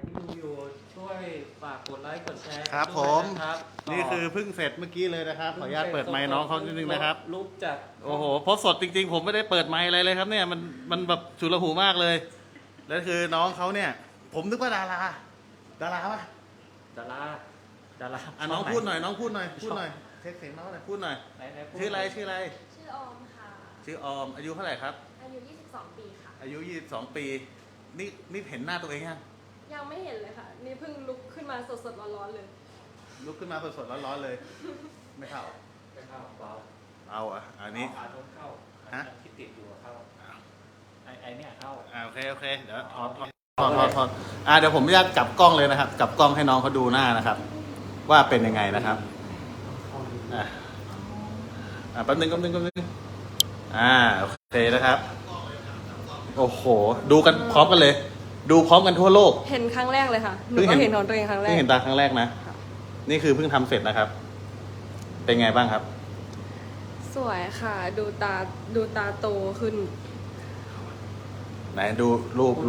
ที่ดูอยู่ช่วยฝากกดไลค์กดแชร์ครับด้ผวยมนะครับนี่คือเพิ่งเสร็จเมื่อกี้เลยนะครับขออนุญาตเปิดไมค์น้องเขานิดนึงนะครับลุกจากโอ้โหโพสต์สดจริงๆผมไม่ได้เปิดไมค์อะไรเลยครับเนี่ยมันแบบฉุลหูมากเลยแล้วคือน้องเขาเนี่ย ผมนึกว่าดาราปะดาราอ่ะน้องพูดหน่อยน้องพูดหน่อยเทคเสียงน้องหน่อยพูดหน่อยไหนพูดชื่ออะไรชื่อออมค่ะชื่อออมอายุเท่าไหร่ครับอายุ 22 ปีค่ะอายุ22ปีนี่เห็นหน้าตัวเองยังยังไม่เห็นเลยค่ะ นี่เพิ่งลุกขึ้นมาสดๆร้อนๆเลยลุกขึ้นมาสดๆร้อนๆเลย ไม่เข้าไม่เข้าเบาเอาอ่ะอันนี้อาโน้นเข้าฮะที่ติดอยู่เข้าไอเนี่ยเข้าโอเคเดี๋ยวถอดเดี๋ยวผมจะกลับกล้องเลยนะครับกลับกล้องให้น้องเขาดูหน้านะครับ ว่าเป็นยังไงนะครับแป๊บนึงโอเคนะครับโอ้โหดูกันพร้อมกันเลย ดูพร้อมกันทั่วโลกเห็นครั้งแรกเลยค่ะ หนูก็เห็นของตัวเองครั้งแรเพิ่กงเห็นตาครั้งแรกนะค่ะนี่คือเพิ่งทำเสร็จนะครับ เป็นไงบ้างครับสวยค่ะ ดูตาโตขึ้นไหนดูรูป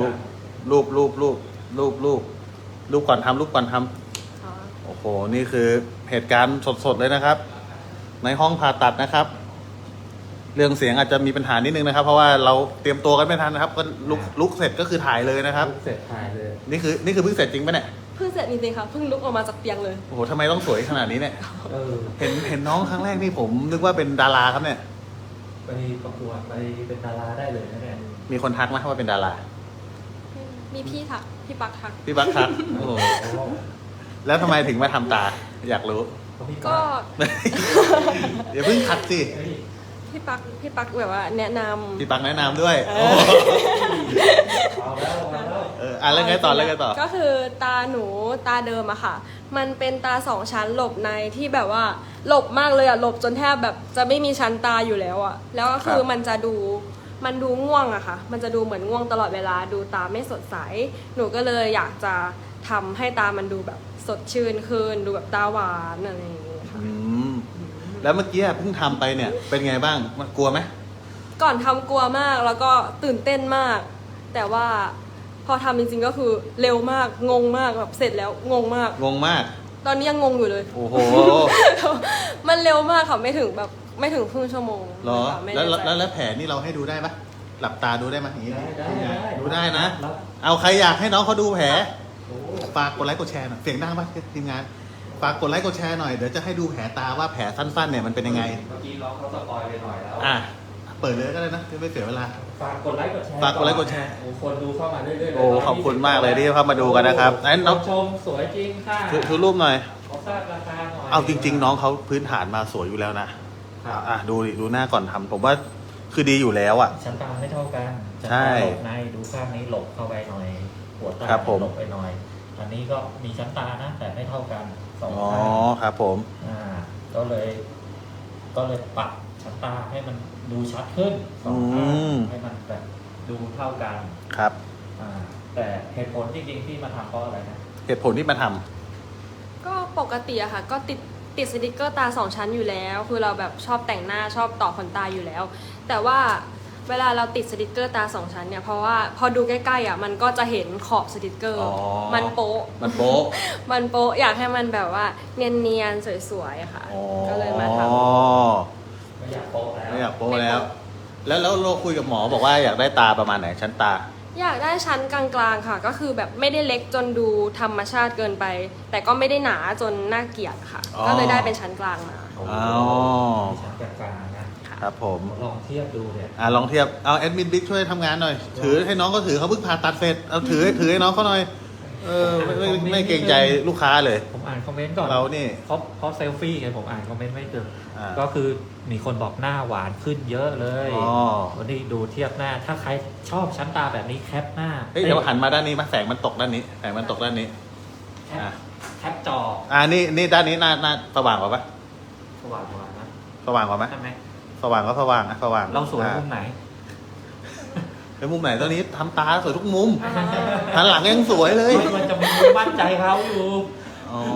ก่อนทำโอ้โหนี่คือเหตุการณ์สดๆเลยนะครับ ในห้องผ่าตัดนะครับ เรื่องเสียงอาจจะมีปัญหานิดนึงนะครับ เพราะว่าเราเตรียมตัวกันไม่ทันนะครับก็ลุกเสร็จก็คือถ่ายเลยนะครับเสร็จถ่ายเลยนี่คือเพิ่งเสร็จจริงปะเนี่ยเพิ่งเสร็จจริงๆค่ะ เพิ่งลุกออกมาจากเตียงเลยโอ้โหทำไมต้องสวยขนาดนี้เนี่ยเออเห็นน้องครั้งแรกนี่ผมนึกว่าเป็นดาราครับเนี่ยไปประกวดไปเป็นดาราได้เลยนะเนี่ยมีคนทักไหมว่าเป็นดารามีพี่ทัก พี่ปักทักพี่บักทักโอ้โหแล้วทำไมถึงมาทำตา อยากรู้ก็อย่าเพิ่งทักสิพี่ปักแบบว่าแนะนำพี่ปักแนะนำด้วยเออโอ้โหเอาแล้วแล้วไงต่อก็คือตาหนูตาเดิมอะค่ะ มันเป็นตาสองชั้นหลบในที่แบบว่าหลบมากเลยอะหลบจนแทบแบบจะไม่มีชั้นตาอยู่แล้วอะแล้วก็คือมันดูง่วงอะค่ะ มันจะดูเหมือนง่วงตลอดเวลาดูตาไม่สดใส หนูก็เลยอยากจะทำให้ตามันดูแบบสดชื่นขึ้นดูแบบตาหวานอะไรอย่างเงี้ยค่ะอืมแล้วเมื่อกี้เพิ่งทำไปเนี่ย เป็นไงบ้างมันกลัวไหมก่อนทำกลัวมากแล้วก็ตื่นเต้นมาก แต่ว่าพอทำจริงๆก็คือเร็วมากงงมากแบบเสร็จแล้วงงมากงงมากตอนนี้ยังงงอยู่เลยโอ้โหมันเร็วมากค่ะไม่ถึงครึ่งชั่วโมงเหรอไม่แล้วแน่ใจแล้วแผลนี่เราให้ดูได้ปะหลับตาดูได้ไหมอย่างนี้ได้ดูได้นะรับเอาใครอยากให้น้องเขาดูแผลโอ้ฝากกดไลค์กดแชร์หน่อยเสียงดังปะทีมงานฝากกดไลค์กดแชร์หน่อยเดี๋ยวจะให้ดูแผลตาว่าแผลสั้นๆเนี่ยมันเป็นยังไงเมื่อกี้น้องเขาสปอยไปหน่อยแล้วอ่ะเปิดเลยก็ได้นะไม่เสียเวลาฝากกดไลค์กดแชร์ฝากกดไลค์กดแชร์โอ้คนดูเข้ามาเรื่อยๆเลยโอ้ขอบคุณมากเลยที่เข้ามาดูกันนะครับไหนน้องชมสวยจริงค่ะชูรูปหน่อยขอทราบราคาหน่อยเอาจริง ๆ น้องเขาพื้นฐานมาสวยอยู่แล้วนะดูดิดูหน้าก่อนทำผมว่าคือดีอยู่แล้วอ่ะชั้นตาไม่เท่ากันชั้นใช่ตาหลบในดูข้างนี้หลบเข้าไปหน่อย หัวตาครับผมหลบไปหน่อย อันนี้ก็มีชั้นตานะ แต่ไม่เท่ากันสองอ๋อข้างครับผมก็เลยปรับชั้นตาให้มันดูชัดขึ้นสองข้างอืมให้มันแบบดูเท่ากันครับแต่เหตุผลจริงๆที่มาทำเพราะอะไรนะเหตุผลที่มาทำก็ปกติอะค่ะ ก็ติดสติกเกอร์ตาสองชั้นอยู่แล้ว คือเราแบบชอบแต่งหน้าชอบต่อขนตาอยู่แล้ว แต่ว่าเวลาเราติดสติกเกอร์ตาสองชั้นเนี่ยเพราะว่าพอดูใกล้ๆอะมันก็จะเห็นขอบสติกเกอร์อ๋อมันโป๊ะมันโป๊ะมันโป๊ะอยากให้มันแบบว่าเนียนๆสวยๆค่ะอ๋อก็เลยมาทไม่อยากโป๊ะแล้วไม่อยากโป๊ะแล้ว แล้วเราคุยกับหมอบอกว่าอยากได้ตาประมาณไหนชั้นตาอยากได้ชั้นกลางๆค่ะ ก็คือแบบไม่ได้เล็กจนดูธรรมชาติเกินไป แต่ก็ไม่ได้หนาจนน่าเกลียดค่ะอ๋อก็เลยได้เป็นชั้นกลางมาโอ้โหอ๋อมีชั้นกลางๆนะครับผมลองเทียบดูเนี่ยลองเทียบเอาแอดมินบิ๊กช่วยทำงานหน่อย ถือให้น้องเขาถือเขาเพิ่งผ่าตัดเสร็จเอาถือให้น้องเขาหน่อยไม่เกรงใจลูกค้าเลยผมอ่านคอมเมนต์ก่อนเรานี่เพราะเซลฟี่ไงผมอ่านคอมเมนต์ไม่เจออ่าก็คือมีคนบอกหน้าหวานขึ้นเยอะเลยอ๋อวันนี้ดูเทียบหน้า ถ้าใครชอบชั้นตาแบบนี้แคปหน้าเฮ้ยเดี๋ยวหันมาด้านนี้มาแสงมันตกด้านนี้แสงมันตกด้านนี้แคปอ่ะแคปจอนี่ด้านนี้หน้าสว่างกว่าปะสว่างๆนะสว่างกว่าไหมใช่ไหมสว่างก็สว่างสว่างเราสวยมุมไหนในมุมไหนตอนนี้ทำตาสวยทุกมุมหันหลังยังสวยเลยมันจะมีมุมมั่นใจเขาอยู่อ๋อ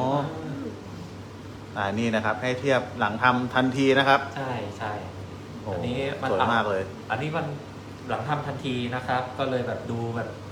นี่นะครับ ให้เทียบหลังทำทันทีนะครับใช่ใช่โอ้อันนี้มันสวยมากเลยอันนี้มันหลังทำทันทีนะครับ ก็เลยแบบดูแบบเ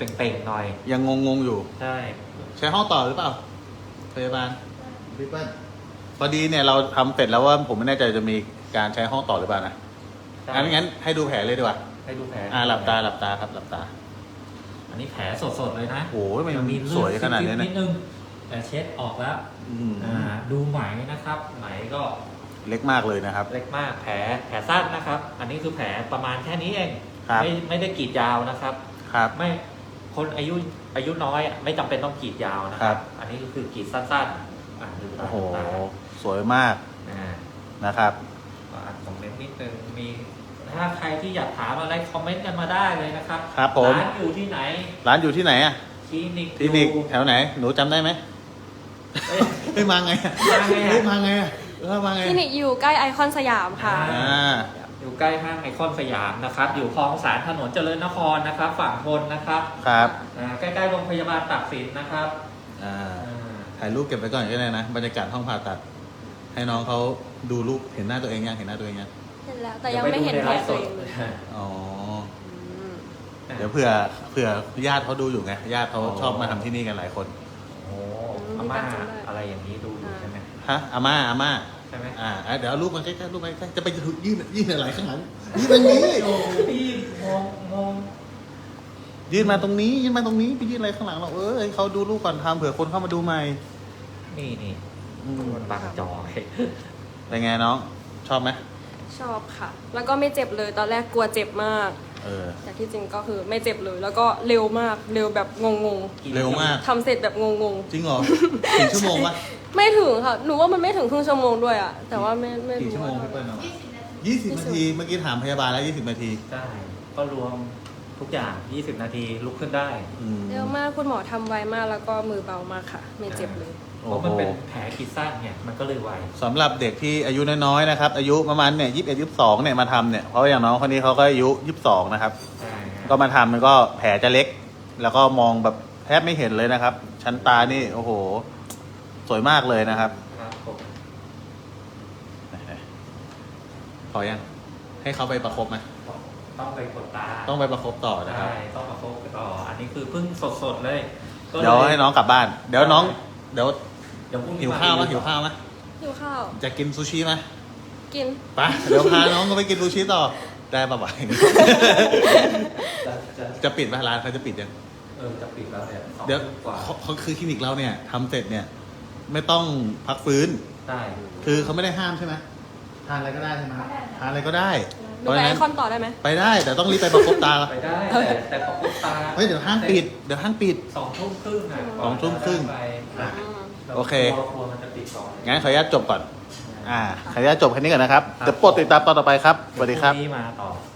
เป่งๆหน่อยยังงงๆอยู่ใช่ใช้ห้องต่อหรือเปล่าพยาบาลพี่เปิ้ลพอดีเนี่ยเราทำเสร็จแล้วว่าผมไม่แน่ใจจะมีการใช้ห้องต่อหรือเปล่านะงั้นให้ดูแผลเลยดีกว่าให้ดูแผลหลับตาครับหลับตาอันนี้แผลสดๆเลยนะโอ้ยมันยังมีสวยขนาดนี้นินะดนึงแต่เช็ดออกแล้วอืมดูไหมนะครับ ไหมก็เล็กมากเลยนะครับเล็กมากแผลสั้นนะครับ อันนี้คือแผลประมาณแค่นี้เองครับไม่ได้กรีดยาวนะครับครับไม่คนอายุน้อยไม่จำเป็นต้องกรีดยาวนะคครัรับ บ อันนี้ก็คือกรีดสั้นๆดูตาโอ้โหดูตาสวยมากอ่านะครับก็อ่านคอมเมนต์นิดนึงมีถ้าใครที่อยากถามอะไรคอมเมนต์กันมาได้เลยนะครับครับผมร้านอยู่ที่ไหนร้านอยู่ที่ไหนอะคลินิกคลินิกอยู่แถวไหน หนูจำได้ไหมเอ้ยเฮ้ยมาไงอะมาไงอะเฮ้ยมาไงอะมาไงคลินิกอยู่ใกล้ไอคอนสยามค่ะอ่าอยู่ใกล้ห้างไอคอนสยามนะครับ อยู่คลองสารถนนเจริญนครนะครับ ฝั่งทนนะครับครับใกล้ๆโรงพยาบาลตากสินนะครับอ่าอ่าถ่ายรูปเก็บไว้ก่อนก็ได้นะ บรรยากาศห้องผ่าตัด ให้น้องเขาดูรูปเห็นหน้าตัวเองยังเห็นหน้าตัวเองยังเห็นแล้วแต่ยังไม่เห็นแผลตัวเองเลยอ๋ออืมเดี๋ยวเผื่อญาติเขาดูอยู่ไง ญาติเขาชอบมาทำที่นี่กันหลายคนโอ้อาม่าอะไรอย่างนี้ดูอยู่ใช่ไหมฮะอาม่าใช่ไหมเดี๋ยวเอารูปมาใกล้ๆรูปมาใกล้ๆจะไปยื่นอะไรข้างหลังยื่นตรงนี้โอ้พี่มองยื่นมาตรงนี้ไปยื่นอะไรข้างหลังเราให้เขาดูรูปก่อนทำเผื่อคนเข้ามาดูใหม่นี่อืมมันบังจอเป็นไงน้อง ชอบไหมชอบค่ะ แล้วก็ไม่เจ็บเลยตอนแรกกลัวเจ็บมากเออแต่ที่จริงก็คือไม่เจ็บเลย แล้วก็เร็วมากเร็วแบบงงเร็วมากๆทำเสร็จแบบงงจริงเหรอกี่ชั่วโมงวะๆไม่ถึงค่ะหนูว่ามันไม่ถึงครึ่งชั่วโมงด้วยอะแต่ว่าไม่กี่รู้ชั่วโมงว่าพี่เปิ้ลเนาะ20 นาที เมื่อกี้ถามพยาบาลแล้ว20 นาทีใช่ก็รวมทุกอย่าง 20 นาทีลุกขึ้นได้อืมเร็วมากคุณหมอทำไวมากแล้วก็มือเบามากค่ะ ไม่เจ็บเลยเพราะมันเป็นแผลขีดสั้นเนี่ยมันก็เลยไวสำหรับเด็กที่อายุน้อยๆนะครับ อายุประมาณเนี่ย21 22เนี่ยมาทำเนี่ย เพราะอย่างน้องคนนี้เขาก็อายุ22นะครับใช่ก็มาทำมันก็แผลจะเล็ก แล้วก็มองแบบแทบไม่เห็นเลยนะครับ ชั้นตานี่โอ้โห สวยมากเลยนะครับครับผมพอยังให้เขาไปประคบไหมต้องไปกดตาต้องไปประคบต่อนะครับใช่ต้องมาโฟกัสต่ออันนี้คือเพิ่งสดๆเลยก็ลเดี๋ยวให้น้องกลับบ้าน เดี๋ยวน้องเดี๋ยวเดี๋ยวพรุ่งนี้หิวข้าวไหมรีหิวข้าวไหมหิวข้าวจะกินซูชิไหมกินไปเดี๋ยวพาน้องก็ไปกินซูชิต่อได้ป่ะบ่ายจะจะปิดไหมร้านเขาจะปิดยังจะปิดแล้วเนี่ย2 เดี๋ยวทุ่มกว่าเขาคือคลินิกเราเนี่ยทำเสร็จเนี่ย ไม่ต้องพักฟื้นได้คือเขาไม่ได้ห้ามใช่ไหมทานอะไรก็ได้ใช่ไหมทานอะไรก็ได้ดูไปไอคอนต่อได้ไหมไปได้แต่ต้องรีบไปประคบตาไปได้แต่ประกบตาเฮ้ยเดี๋ยวห้างปิดเดี๋ยวห้างปิด 2 ทุ่มครึ่งอ่ะ 2 ทุ่มครึ่งไปอืมโอเคกลัวมันจะปิดก่อนงั้นขออนุญาตจบก่อนขออนุญาตจบแค่นี้ก่อนนะครับเดี๋ยวโปรดติดตามตอนต่อไปครับสวัสดีครับพงนี้มาต่อ